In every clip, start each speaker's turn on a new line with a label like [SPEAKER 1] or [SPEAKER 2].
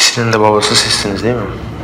[SPEAKER 1] İkisinin de babası sizsiniz değil mi?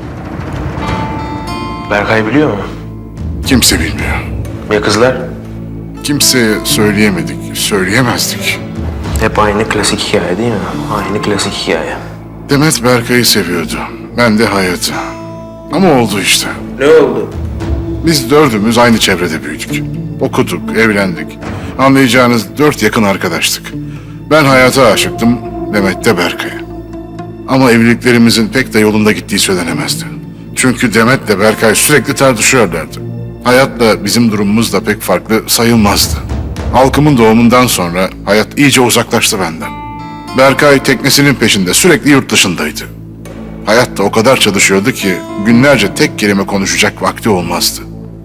[SPEAKER 1] Berkay biliyor mu?
[SPEAKER 2] Kimse bilmiyor.
[SPEAKER 1] Ya kızlar?
[SPEAKER 2] Kimseye söyleyemedik, söyleyemezdik.
[SPEAKER 1] Hep aynı klasik hikaye değil mi? Aynı klasik hikaye.
[SPEAKER 2] Demet Berkay'ı seviyordu. Ben de Hayat'ı. Ama oldu işte.
[SPEAKER 1] Ne oldu?
[SPEAKER 2] Biz dördümüz aynı çevrede büyüdük. Okuduk, evlendik. Anlayacağınız 4 yakın arkadaştık. Ben Hayat'a aşıktım, Demet de Berkay'a. Ama evliliklerimizin pek de yolunda gittiği söylenemezdi. Çünkü Demet'le Berkay sürekli tartışıyorlardı. Hayat'la bizim durumumuz da pek farklı sayılmazdı. Halkımın doğumundan sonra Hayat iyice uzaklaştı benden. Berkay teknesinin peşinde sürekli yurt dışındaydı. Hayat da o kadar çalışıyordu ki günlerce tek kelime konuşacak vakti olmazdı.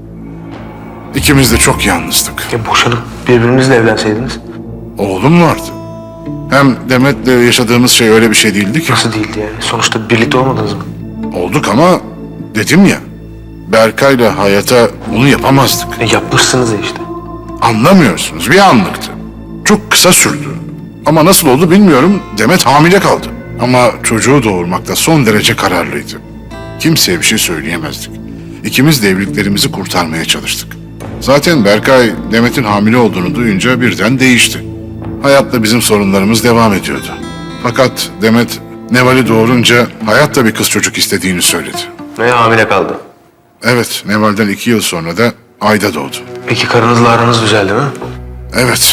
[SPEAKER 2] İkimiz de çok yalnızdık.
[SPEAKER 1] Ya boşanıp birbirinizle evlenseydiniz?
[SPEAKER 2] Oğlum vardı. Hem Demet'le yaşadığımız şey öyle bir şey değildi ki.
[SPEAKER 1] Nasıl değildi yani? Sonuçta birlikte olmadınız mı?
[SPEAKER 2] Olduk ama dedim ya, Berkay'la Hayat'a bunu yapamazdık.
[SPEAKER 1] Yapmışsınız ya işte.
[SPEAKER 2] Anlamıyorsunuz, bir anlıktı. Çok kısa sürdü. Ama nasıl oldu bilmiyorum, Demet hamile kaldı. Ama çocuğu doğurmakta son derece kararlıydı. Kimseye bir şey söyleyemezdik. İkimiz de evliliklerimizi kurtarmaya çalıştık. Zaten Berkay, Demet'in hamile olduğunu duyunca birden değişti. Hayatla bizim sorunlarımız devam ediyordu. Fakat Demet, Neval'i doğurunca Hayat da bir kız çocuk istediğini söyledi.
[SPEAKER 1] Ve hamile kaldı.
[SPEAKER 2] Evet, Neval'den 2 yıl sonra da Ayda doğdu.
[SPEAKER 1] Peki karınızla aranız düzeldi mi?
[SPEAKER 2] Evet,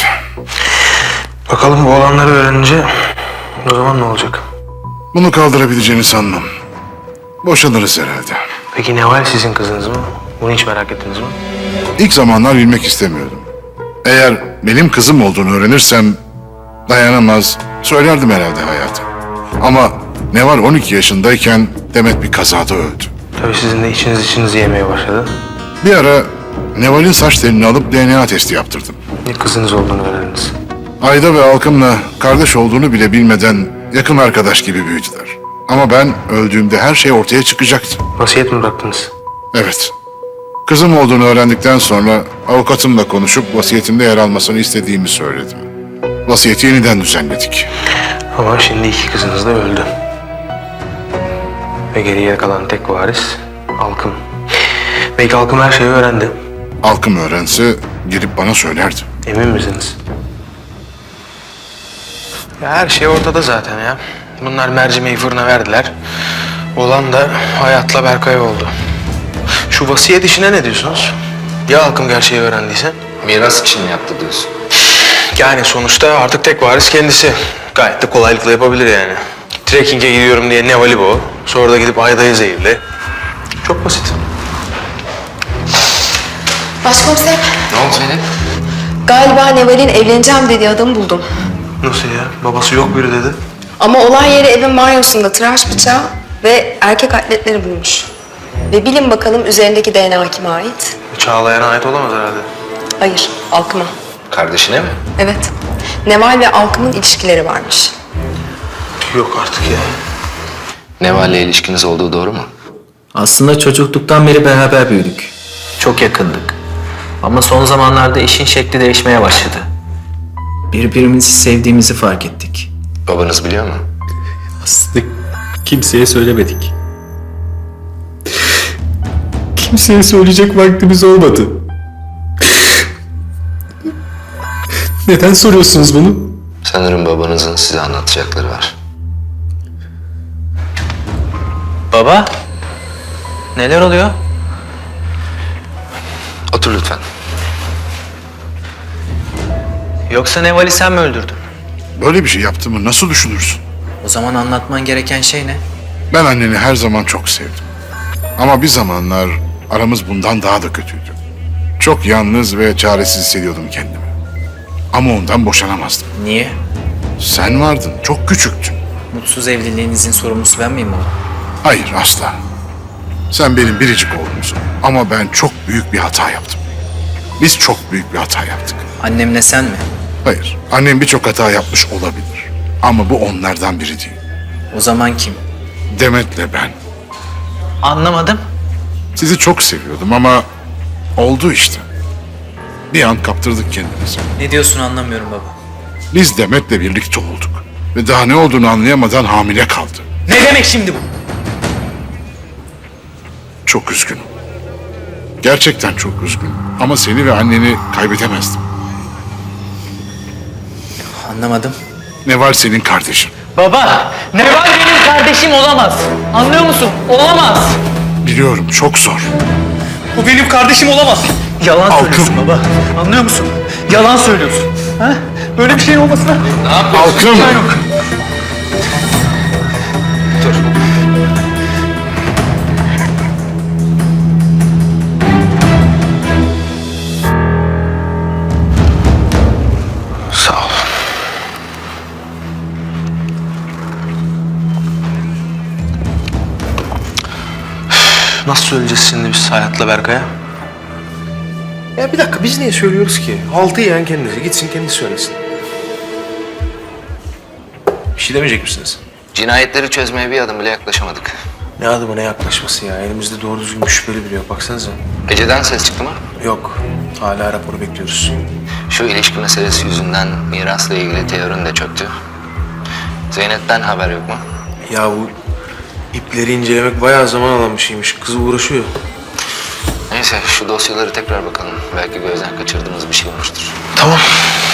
[SPEAKER 1] Bakalım bu olanları öğrenince o zaman ne olacak?
[SPEAKER 2] bunu kaldırabileceğini sanmam. Boşanırız herhalde.
[SPEAKER 1] Peki Neval sizin kızınız mı? Bunu hiç merak ettiniz mi?
[SPEAKER 2] İlk zamanlar bilmek istemiyordum. Eğer benim kızım olduğunu öğrenirsem dayanamaz, söylerdim herhalde Hayat'a. Ama Neval 12 yaşındayken Demet bir kazada öldü.
[SPEAKER 1] Tabii sizin de içinizi yemeye başladı.
[SPEAKER 2] Bir ara Neval'in saç telini alıp DNA testi yaptırdım.
[SPEAKER 1] Bir kızınız olduğunu öğrendiniz.
[SPEAKER 2] Ayda ve Alkım'la kardeş olduğunu bile bilmeden yakın arkadaş gibi büyüdüler. Ama ben öldüğümde her şey ortaya çıkacaktı.
[SPEAKER 1] Vasiyet mi bıraktınız?
[SPEAKER 2] Evet. Kızım olduğunu öğrendikten sonra avukatımla konuşup vasiyetimde yer almasını istediğimi söyledim. Vasiyeti yeniden düzenledik.
[SPEAKER 1] Ama şimdi iki kızınız da öldü. Ve geriye kalan tek varis Alkım. Belki Alkım her şeyi öğrendi.
[SPEAKER 2] Alkım öğrense gelip bana söylerdi.
[SPEAKER 1] Emin misiniz? Ya her şey ortada zaten ya. Bunlar mercimeği fırına verdiler. Olan da Hayat'la Berkay oldu. Şu vasiyet işine ne diyorsunuz? Ya Alkım gerçeği öğrendiyse?
[SPEAKER 3] Miras için mi yaptı diyorsun?
[SPEAKER 1] Yani sonuçta artık tek varis kendisi. Gayet de kolaylıkla yapabilir yani. Trekking'e gidiyorum diye Neval'i boğ. Sonra da gidip Ayda'yı zehirle. Çok basit.
[SPEAKER 4] Başkomiserim,
[SPEAKER 3] Ne oldu Zeynep?
[SPEAKER 4] galiba Neval'in evleneceğim dediği adamı buldum.
[SPEAKER 1] Nasıl ya? Babası yok biri dedi.
[SPEAKER 4] Ama olay yeri evin banyosunda tıraş bıçağı ve erkek atletleri bulmuş. Ve bilin bakalım üzerindeki DNA kime ait?
[SPEAKER 1] Çağlayan'a ait olamaz herhalde.
[SPEAKER 4] Hayır, Alkım'a.
[SPEAKER 3] Kardeşine mi?
[SPEAKER 4] Evet, Neval ve Alkım'ın ilişkileri varmış.
[SPEAKER 1] Yok artık ya.
[SPEAKER 3] Neval'le ilişkiniz olduğu doğru mu?
[SPEAKER 5] Aslında çocukluktan beri beraber büyüdük. Çok yakındık. Ama son zamanlarda işin şekli değişmeye başladı. Birbirimizi sevdiğimizi fark ettik.
[SPEAKER 3] Babanız biliyor mu?
[SPEAKER 6] Aslında kimseye söylemedik. Kimseye söyleyecek vaktimiz olmadı. Neden soruyorsunuz bunu?
[SPEAKER 3] Sanırım babanızın size anlatacakları var.
[SPEAKER 5] Baba, neler oluyor?
[SPEAKER 3] Otur lütfen.
[SPEAKER 5] Yoksa Neval'i sen mi öldürdün?
[SPEAKER 2] Böyle bir şey yaptığımı nasıl düşünürsün?
[SPEAKER 5] O zaman anlatman gereken şey ne?
[SPEAKER 2] Ben anneni her zaman çok sevdim. Ama bir zamanlar aramız bundan daha da kötüydü. Çok yalnız ve çaresiz hissediyordum kendimi. Ama ondan boşanamazdım.
[SPEAKER 5] Niye?
[SPEAKER 2] Sen vardın, çok küçüktün.
[SPEAKER 5] Mutsuz evliliğinizin sorumlusu ben miyim baba?
[SPEAKER 2] Hayır, asla. Sen benim biricik oğlumsun. Ama ben çok büyük bir hata yaptım. Biz çok büyük bir hata yaptık.
[SPEAKER 5] Annemle sen mi?
[SPEAKER 2] Hayır, annem birçok hata yapmış olabilir. Ama bu onlardan biri değil.
[SPEAKER 5] O zaman kim?
[SPEAKER 2] Demet'le ben.
[SPEAKER 5] Anlamadım.
[SPEAKER 2] Sizi çok seviyordum ama oldu işte. Bir an kaptırdık kendimizi.
[SPEAKER 5] Ne diyorsun anlamıyorum baba.
[SPEAKER 2] Biz Demet'le birlikte olduk. Ve daha ne olduğunu anlayamadan hamile kaldı.
[SPEAKER 5] Ne demek şimdi bu?
[SPEAKER 2] Çok üzgünüm. Gerçekten çok üzgünüm. Ama seni ve anneni kaybetemezdim.
[SPEAKER 5] Anlamadım.
[SPEAKER 2] Neval senin kardeşin.
[SPEAKER 7] Baba, Neval benim kardeşim olamaz. Anlıyor musun? Olamaz.
[SPEAKER 2] Biliyorum çok zor.
[SPEAKER 7] O benim kardeşim olamaz. Yalan
[SPEAKER 2] Halkım.
[SPEAKER 7] söylüyorsun baba. Anlıyor musun? Yalan söylüyorsun. Ha? Böyle bir şeyin olmasına...
[SPEAKER 2] Halkım.
[SPEAKER 1] Sağ ol. Nasıl söyleyeceğiz şimdi biz Hayat'la Berkay'a? Ya bir dakika biz niye söylüyoruz ki? Haltı yiyen kendisi. Gitsin kendisi söylesin. Bir şey demeyecek misiniz?
[SPEAKER 3] Cinayetleri çözmeye bir adım bile yaklaşamadık.
[SPEAKER 1] Ne adımı ne yaklaşması ya? Elimizde doğru düzgün bir şüpheli biri yok. Baksanıza.
[SPEAKER 3] Ece'den ses çıktı mı?
[SPEAKER 1] Yok. Hala raporu bekliyoruz.
[SPEAKER 3] Şu ilişki meselesi yüzünden mirasla ilgili teorin de çöktü. Zeynep'ten haber yok mu?
[SPEAKER 1] Ya bu ipleri incelemek bayağı zaman alan bir şeymiş. Kız uğraşıyor.
[SPEAKER 3] Neyse şu dosyaları tekrar bakalım. Belki gözden kaçırdığımız bir şey olmuştur.
[SPEAKER 1] Tamam.